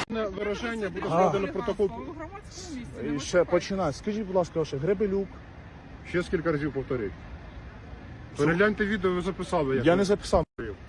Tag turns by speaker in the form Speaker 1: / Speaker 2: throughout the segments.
Speaker 1: Вираження буде складено протокол.
Speaker 2: І ще починай. Скажіть, будь ласка, ваше Гребелюк.
Speaker 1: Ще скільки разів повторіть. Перегляньте відео, ви записали.
Speaker 2: Я не записав.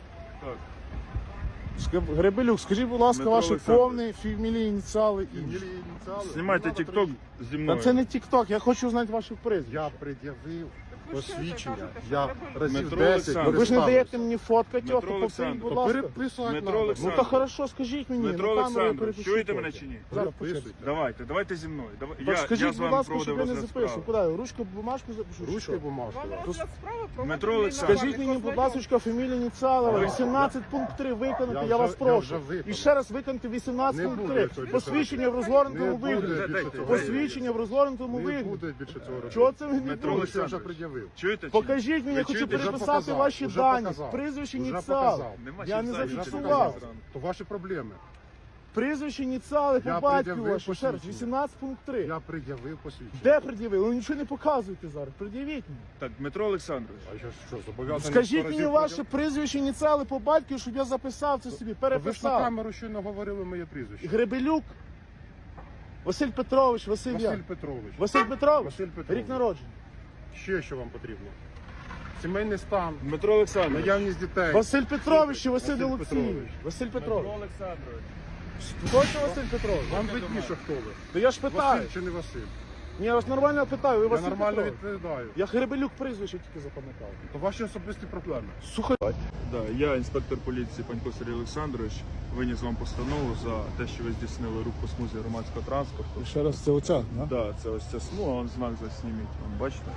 Speaker 2: Гребелюк, скажіть, будь ласка, ваші повні фамілії, ініціали і...
Speaker 3: Знімайте тік-ток зі
Speaker 2: Та
Speaker 3: мною.
Speaker 2: це не тік-ток, я хочу знати ваші прізвищ.
Speaker 1: Я пред'явив посвідчення. Я разів
Speaker 3: Дмитро
Speaker 1: 10
Speaker 3: Олександрович.
Speaker 2: Ви ж не даєте мені фоткати його, то
Speaker 3: Дмитро
Speaker 2: повторіть, будь
Speaker 3: Олександрович.
Speaker 2: ласка.
Speaker 1: Переписувати
Speaker 3: Дмитро
Speaker 1: надо.
Speaker 2: Ну
Speaker 3: Олександрович.
Speaker 2: то хорошо, скажіть мені,
Speaker 3: Дмитро
Speaker 2: на камеру я
Speaker 3: Олександрович,
Speaker 2: перепишу.
Speaker 3: чуєте мене
Speaker 2: потім.
Speaker 3: чи ні?
Speaker 2: Зараз
Speaker 1: Переписуйте.
Speaker 2: почекайте.
Speaker 3: Давайте зі мною.
Speaker 2: Так скажіть,
Speaker 3: з
Speaker 2: будь
Speaker 3: вами
Speaker 2: ласка, щоб
Speaker 3: проводив
Speaker 2: я не
Speaker 3: розгляд
Speaker 2: записував.
Speaker 3: справи.
Speaker 2: Куди? Ручку, бумажку запишу? чи
Speaker 1: Ручкою
Speaker 2: що?
Speaker 1: бумажку.
Speaker 3: Дмитро Олександрович.
Speaker 2: Скажіть мені, будь ласка, фамілію ініціали. 18 пункт 3 виконати, я вас
Speaker 1: я
Speaker 2: прошу.
Speaker 1: вже виконав.
Speaker 2: І ще раз виконати 18
Speaker 1: Не
Speaker 2: пункт
Speaker 1: буде
Speaker 2: 3.
Speaker 1: цього
Speaker 2: Посвідчення в розгорнутому
Speaker 1: Не буде
Speaker 2: вигляді.
Speaker 1: більше цього.
Speaker 2: Посвідчення в розгорнутому
Speaker 1: Не
Speaker 2: вигляді.
Speaker 1: буде більше цього робити.
Speaker 2: Чого це ви не
Speaker 3: Дмитро
Speaker 2: будете?
Speaker 1: Олексій вже
Speaker 3: Олександрович.
Speaker 1: пред'явив.
Speaker 3: Чуєте чи ні?
Speaker 2: Покажіть мені, я
Speaker 3: Ви
Speaker 2: хочу
Speaker 3: чуєте?
Speaker 1: Вже
Speaker 2: переписати
Speaker 1: показав,
Speaker 2: ваші
Speaker 1: вже
Speaker 2: дані,
Speaker 1: показав.
Speaker 2: прізвище,
Speaker 1: Вже
Speaker 2: ініціали.
Speaker 1: показав.
Speaker 3: Нема
Speaker 2: Я
Speaker 3: чим
Speaker 2: не
Speaker 3: зайняти.
Speaker 2: зафіксував.
Speaker 1: То ваші проблеми.
Speaker 2: Прізвище, ініціали по
Speaker 1: Я
Speaker 2: батьку
Speaker 1: пред'явив
Speaker 2: ваші. Ще раз,
Speaker 1: посвідчення.
Speaker 2: 18 пункт 3.
Speaker 1: Я пред'явив посвідчення.
Speaker 2: Де пред'явили? Ви нічого не показуєте зараз. Пред'явіть мені.
Speaker 3: Так, Дмитро Олександрович.
Speaker 1: А я що, зобов'язаний?
Speaker 2: Скажіть
Speaker 1: 100
Speaker 2: мені
Speaker 1: разів
Speaker 2: ваше прізвище, ініціали по батьку, щоб я записав це собі,
Speaker 1: Ви ж на
Speaker 2: переписав.
Speaker 1: камеру щойно говорили моє прізвище.
Speaker 2: Гребелюк Василь Петрович,
Speaker 1: Василь
Speaker 2: Василь
Speaker 1: Петрович.
Speaker 2: Василь Петрович?
Speaker 1: Василь Петрович.
Speaker 2: Рік народження.
Speaker 1: Ще що вам потрібно? Сімейний стан,
Speaker 3: Дмитро Олександрович.
Speaker 1: наявність дітей.
Speaker 2: Василь Петрович чи Василь
Speaker 1: Василь
Speaker 2: Олексійович?
Speaker 1: Петрович.
Speaker 2: Василь
Speaker 3: Дмитро
Speaker 2: Петрович.
Speaker 3: Олександрович.
Speaker 2: Точно Василь Петрович?
Speaker 1: Вам видніше, хто ви.
Speaker 2: То я ж питаю.
Speaker 1: Василь чи не Василь?
Speaker 2: Ні, я вас нормально питаю, ви
Speaker 1: Я
Speaker 2: Василь
Speaker 1: нормально
Speaker 2: Петрович.
Speaker 1: відповідаю.
Speaker 2: Я Гребелюк прізвище тільки запам'ятав.
Speaker 1: То ваші особисті проблеми.
Speaker 2: Сухо.
Speaker 3: Да, я, інспектор поліції Панько Сергій Олександрович, виніс вам постанову за те, що ви здійснили рух по смузі громадського транспорту.
Speaker 2: Ще раз, це оця, да?
Speaker 3: Да, це ось ця смуга, вон знак засніміть, вон, бачите?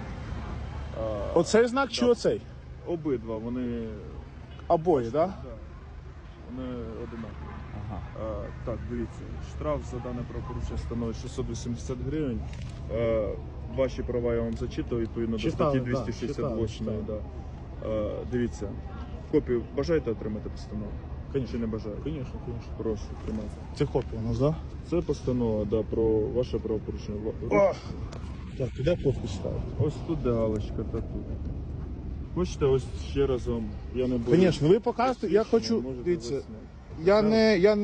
Speaker 2: Оцей знак чи
Speaker 3: Да.
Speaker 2: оцей?
Speaker 3: Обидва, вони,
Speaker 2: Обоє, так? Да?
Speaker 3: да, вони одинакові.
Speaker 2: Ага.
Speaker 3: Так, дивіться, штраф за дане правопорушення становить 680 гривень. Ваші права я вам зачитав відповідно до
Speaker 2: Читали,
Speaker 3: статті
Speaker 2: да,
Speaker 3: 268.
Speaker 2: читали.
Speaker 3: Да. Дивіться, копію бажаєте отримати постанову? Чи не бажаєте?
Speaker 2: Звісно, звісно.
Speaker 3: Прошу, тримайте.
Speaker 2: Це копія у нас, так?
Speaker 3: Це постанова, да, про ваше правопорушення.
Speaker 2: Да? Так, де подпись ставити?
Speaker 3: Ось тут де галочка, та тут. Хочете, ось ще раз вам, я не буду.
Speaker 2: Звісно, ви показуєте, я хочу,
Speaker 3: Можете
Speaker 2: дивіться,
Speaker 3: засняти.
Speaker 2: я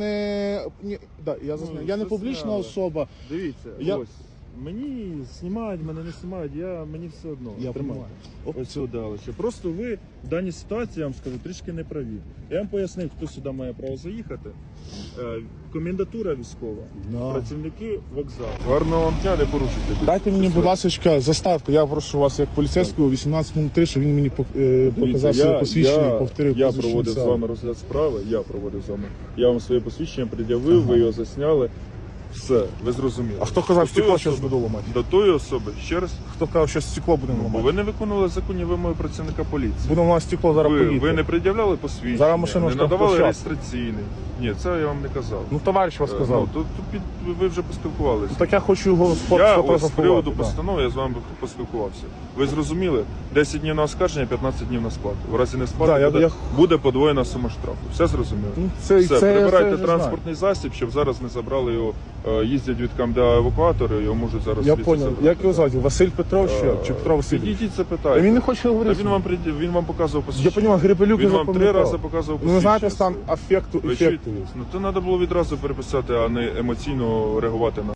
Speaker 2: не
Speaker 3: це
Speaker 2: публічна
Speaker 3: справа.
Speaker 2: особа.
Speaker 3: Дивіться,
Speaker 2: Я-
Speaker 3: ось. Мені знімають, мене не знімають, мені все одно.
Speaker 2: Я
Speaker 3: Тримайте.
Speaker 2: понимаю. Оп.
Speaker 3: Ось сюди дали. Просто ви в даній ситуації, я вам скажу, трішки не праві. Я вам пояснив, хто сюди має право заїхати. Комендатура військова,
Speaker 2: Да.
Speaker 3: працівники вокзалу. Гарного вам дня, не порушуйте.
Speaker 2: Дайте мені, будь ласка, заставку. Я прошу вас як поліцейського 18.03, щоб він мені показав своє посвідчення і повторив
Speaker 3: я
Speaker 2: посвідчення
Speaker 3: проводив з
Speaker 2: сам.
Speaker 3: вами розгляд справи, я вам своє посвідчення пред'явив, ви його засняли. Все, ви зрозуміли.
Speaker 2: А хто казав,
Speaker 3: До тої
Speaker 2: стекло зараз
Speaker 3: особи-
Speaker 2: буду ламати?
Speaker 3: До тої особи, ще раз,
Speaker 2: Хто казав, що стекло будемо
Speaker 3: бо
Speaker 2: ламати?
Speaker 3: ви не виконували законні вимоги працівника поліції.
Speaker 2: Будемо ламати стекло, зараз
Speaker 3: Ви
Speaker 2: поїдете.
Speaker 3: не пред'являли посвідчення,
Speaker 2: Зараз машину
Speaker 3: не
Speaker 2: штраф
Speaker 3: надавали
Speaker 2: площадку.
Speaker 3: реєстраційний. Ні, це я вам не казав.
Speaker 2: Ну, товариш вас сказав.
Speaker 3: Ну, тут ви вже поспілкувалися.
Speaker 2: Так я хочу його
Speaker 3: Я ось з
Speaker 2: сфотографувати.
Speaker 3: приводу
Speaker 2: да.
Speaker 3: постанови я з вами поспілкувався. Ви зрозуміли? 10 днів на оскарження, 15 днів на сплату. В разі не сплати
Speaker 2: Да,
Speaker 3: буде, буде подвоєна сума штрафу. Все зрозуміло?
Speaker 2: Ну,
Speaker 3: Все,
Speaker 2: я
Speaker 3: прибирайте
Speaker 2: вже
Speaker 3: транспортний засіб, щоб зараз не забрали його. Їздять від КМДА евакуатори, його можуть зараз
Speaker 2: знаю. Я
Speaker 3: звідси
Speaker 2: понял.
Speaker 3: забрати.
Speaker 2: Як його звати? Василь Петрович чи Петро Васильович?
Speaker 3: Підійдіть,
Speaker 2: А
Speaker 3: запитайте.
Speaker 2: він не хоче
Speaker 3: Та
Speaker 2: говорити.
Speaker 3: він вам показував
Speaker 2: Я
Speaker 3: посвідчення.
Speaker 2: понимаю, Гребелюк
Speaker 3: Він
Speaker 2: я
Speaker 3: вам 3
Speaker 2: запам'ятав.
Speaker 3: рази показував
Speaker 2: Ну, ви знаєте,
Speaker 3: посвідчення.
Speaker 2: стан афекту,
Speaker 3: Ви
Speaker 2: ефекту
Speaker 3: чуєте?
Speaker 2: є.
Speaker 3: Ну то треба було відразу переписати, а не емоційно реагувати на